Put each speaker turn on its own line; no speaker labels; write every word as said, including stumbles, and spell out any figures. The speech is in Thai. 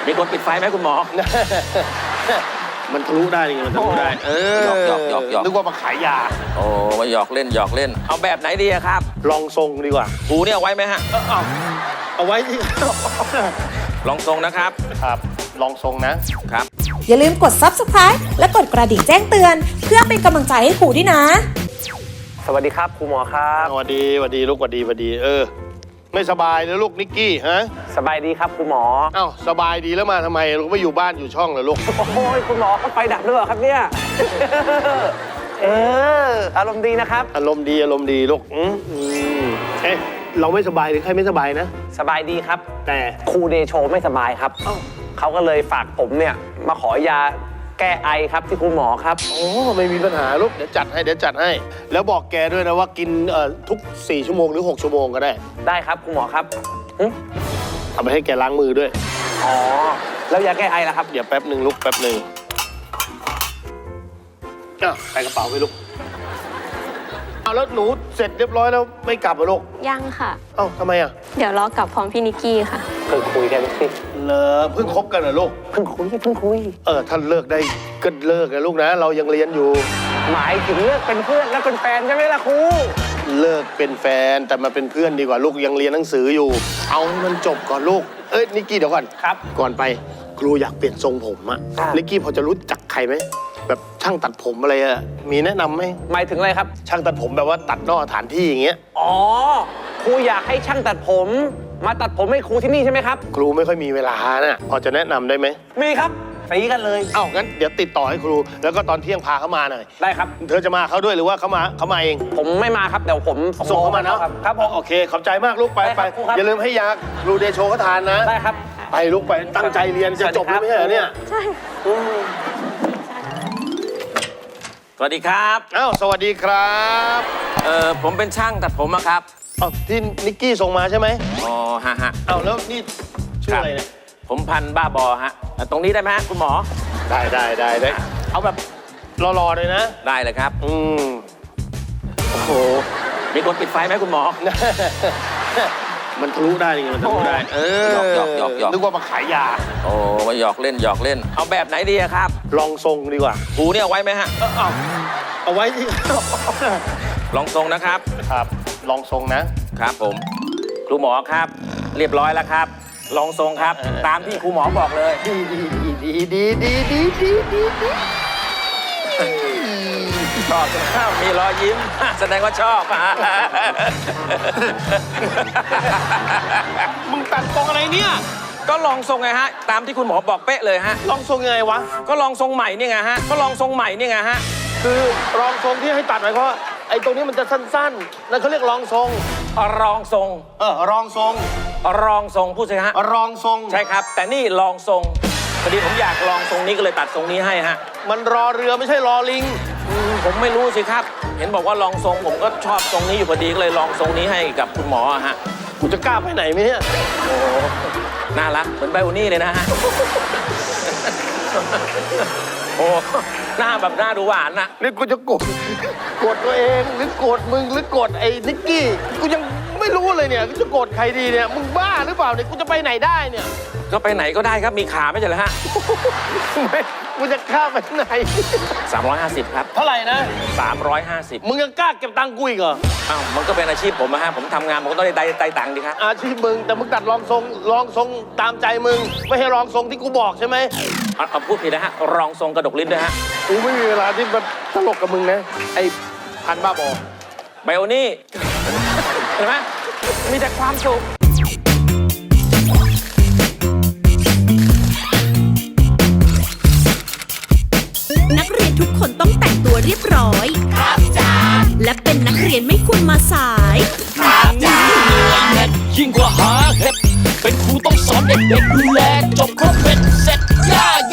มีคนปิดไฟไหมคุณหมอ
มันทะลุได้ยังไงมันทะลุได้เออ
หยอกหยอกหยอก
นึกว่ามาขายยา
โอ้มาหยอกเล่นหยอกเล่นเอาแบบไหนดีครับ
ลองทรงดีกว่า
หูเนี่ยเอาไว้ไหมฮะ
เอาเอาไว้ที่
ลองทรงนะครับ
ครับลองทรงนะครับ
อย่าลืมกด ซับสไครบ์ และกดกระดิ่งแจ้งเตือน เพื่อเป็นกำลังใจให้ครูด้วยนะ
สวัสดีครับครูหมอครับ
สวัสดีสวัสดีลูกสวัสดีสวัสดีเออไม่สบายเลยลูกนิกกี้ฮะ
สบายดีครับครูหมอ
เอ้าสบายดีแล้วมาทำไมลูกไม่อยู่บ้านอยู่ช่องเหรอลูก
โอ้ยคุณหมอก็ไฟดับด้วยเหรอครับเนี่ย เอออารมณ์ดีนะครับ
อารมณ์ดีอารมณ์ดีลูกอืมอืมเอ๊ะเราไม่สบายหรือใครไม่สบายนะ
สบายดีครับ
แต่
ครูเดโชไม่สบายครับเขาก็เลยฝากผมเนี่ยมาขอยาแก้ไอครับที่ครูหมอครับ
โอ้ไม่มีปัญหาลูกเดี๋ยวจัดให้เดี๋ยวจัดให้ แล้วบอกแกด้วยนะว่ากินเอ่อทุกสี่ชั่วโมงหรือหกชั่วโมงก็ได้
ได้ครับครูหมอครับหึ
เอาไปให้แกล้างมือด้วย
อ๋อแล้วยาแก้ไอล่ะครับ
เดี๋ยวแป๊บหนึ่งลูกแป๊บหนึ่งอ้าวใส่กระเป๋าไปลูกเอาแล้วหนูเสร็จเรียบร้อยแล้วไม่กลับเหรอลูก
ยังค่ะ
เอ้าทำไมอ่ะ
เดี๋ยวรอกลับพร้อมพี่นิกกี้ค่ะ
เพิ่งคุยกันสิ
เลอเพิ่งคบกันเหรอลูก
เพิ่งคุยเพิ่งคุย
เออท่านเลิกได้ก็เลิกนะลูกนะ เรายังเรียนอยู่
หมายถึงเลิกเป็นเพื่อนแล้วเป็นแฟนใช่ไหมล่ะครู
เลิกเป็นแฟนแต่มาเป็นเพื่อนดีกว่าลูกยังเรียนหนังสืออยู่ เอาให้มันจบก่อนลูก เอ้ยนิกกี้เดี๋ยวก่อน
ครับ
ก่อนไปครูอยากเปลี่ยนทรงผมอะ
ครับ
นิกกี้พอจะรู้จักใครไหมแบบช่างตัดผมอะไรอะมีแนะนำไหม
หมายถึงอะไรครับ
ช่างตัดผมแบบว่าตัดนอกสถานที่อย่างเงี้ย
อ๋อครูอยากให้ช่างตัดผม มาตัดผมให้ครูที่นี่ใช่ไหมครับ
ครูไม่ค่อยมีเวลาน่ะพอจะแนะนำได้ไหม
มีครับสีกันเลย
เอ้างั้นเดี๋ยวติดต่อให้ครู แล้วก็ตอนเที่ยงพาเขามาหน่อย
ได้ครับ
เธอจะมาเขาด้วยหรือว่าเขามาเขามาเอง
ผมไม่มาครับเดี๋ยวผม
ส่งเขามาเนาะ
ครับครับผม
โอเคขอบใจมากลูกไป
ได้ค
ไป
รับครูครับ
อย่าลืมให้ยาครูเดโชเขาทานนะ
ได้ครับ
ไปลูกไปตั้งใจเรียนจะจบแล้วไม่ใช่เหรอเนี่ย
ใช่
อืม
สวัสดีครับ
อ้าวสวัสดีครับ
เออผมเป็นช่างตัดผมอะครับ
อ้าวที่นิกกี้ส่งมาใช่ไหม
อ๋อฮะฮะ
อ้าวแล้วนี่ชื่ออะไรเนี่ย
ผมพันบ้าบอฮะเอ่อตรงนี้ได้ไหมฮะคุณหมอ
ได้ได้ได้ได้เอาแบบรอๆเลยนะ
ได้เลยครับ
อืมโอ้โห
มีคนปิดไฟไหมคุณหมอ
มันทะลุได้ยังไงมันทะลุได้เออ
หยอกหยอกหยอก
นึกว่ามาขายยา
โอ้มาหยอกเล่นหยอกเล่นเอาแบบไหนดีครับ
ลองทรงดีกว่า
หูเนี่ยเอาไว้ไหมฮะ
เอาเอาไว้ที่
ลองทรงนะครับ
ครับลองทรงนะครับ
ผมครูหมอครับ เรียบร้อยแล้วครับ ลองทรงครับ ตามที่ครูหมอบอกเลย
ดีดีดีดีดีดีดีดีดี
ชอบข้าวมีรอยยิ้ม แสดงว่าชอบ
มึงตัดทรงอะไรเนี่ย
ก็ลองทรงไงฮะ ตามที่คุณหมอบอกเป๊ะเลยฮะ
ลองทรงยังไงวะ
ก็ลองทรงใหม่นี่ไงฮะ ก็ลองทรงใหม่นี่ไงฮะ
คือรองทรงที่ให้ตัดหมายความว่าไอ้ตรงนี้มันจะสั้นๆนั่นเขาเรียกรองทรง
รองทรง
เออรองทรง
รองทรงพูดสิฮะ
รองทรง
ใช่ครับ แต่นี่ลองทรงพอดีผมอยากลองทรงนี้ก็เลยตัดทรงนี้ให้ฮะ
มันรอเรือไม่ใช่รอลิง
อืมผมไม่รู้สิครับ เห็นบอกว่าลองทรงผมก็ชอบทรงนี้อยู่พอดีก็เลยลองทรงนี้ให้กับคุณหมอฮะ
กูจะกล้าไปไหนไหมเนี่ย
โอ้น่ารักเหมือนไบโอนี่เลยนะฮะ โอ้หน้าแบบหน้าดูหวานนะ
นี่กูจะโกรธโกรธตัวเองหรือโกรธมึงหรือโกรธไอ้นิกกี้กูยังไม่รู้เลยเนี่ยกูจะโกรธใครดีเนี่ยมึงบ้าหรือเปล่าเนี่ยกูจะไปไหนได้เนี่ย
ก็ไปไหนก็ได้ครับมีขาไม่ใช่เหรอฮะ
ไม่กูจะข้ามไปไหน
สามร้อยห้าสิบครับ
เท่าไหร่นะ
สามร้อยห้าสิบ
มึงยังกล้าเก็บตังค์กูอีกเหรอ
อ้าวมันก็เป็นอาชีพผมนะฮะผมทำงานผมก็ต้องได้ได้ตังค์ดิครับ
อาชีพมึงแต่มึงตัดรองทรงรองทรงตามใจมึง ไม่ให้รองทรงที่กูบอกใช่ไหม
เอาเอาพูดผิดนะฮะรองทรงกระดกลิ้นด้วยฮะ
กูไม่มีเวลาที่มาตลกกับมึงนะไอ้พันบ้าบอ
ไบโอนี่ เห็นไหมมีแต่ความสุข
นักเรียนทุกคนต้องแต่งตัวเรียบร้อย ครับจ้าและเป็นนักเรียนไม่ควรมาสาย
ครับจ้ายิ่งกว่าหาเห็ดเป็นครูต้องสอนเด็กๆดูแลจบครบเม็ด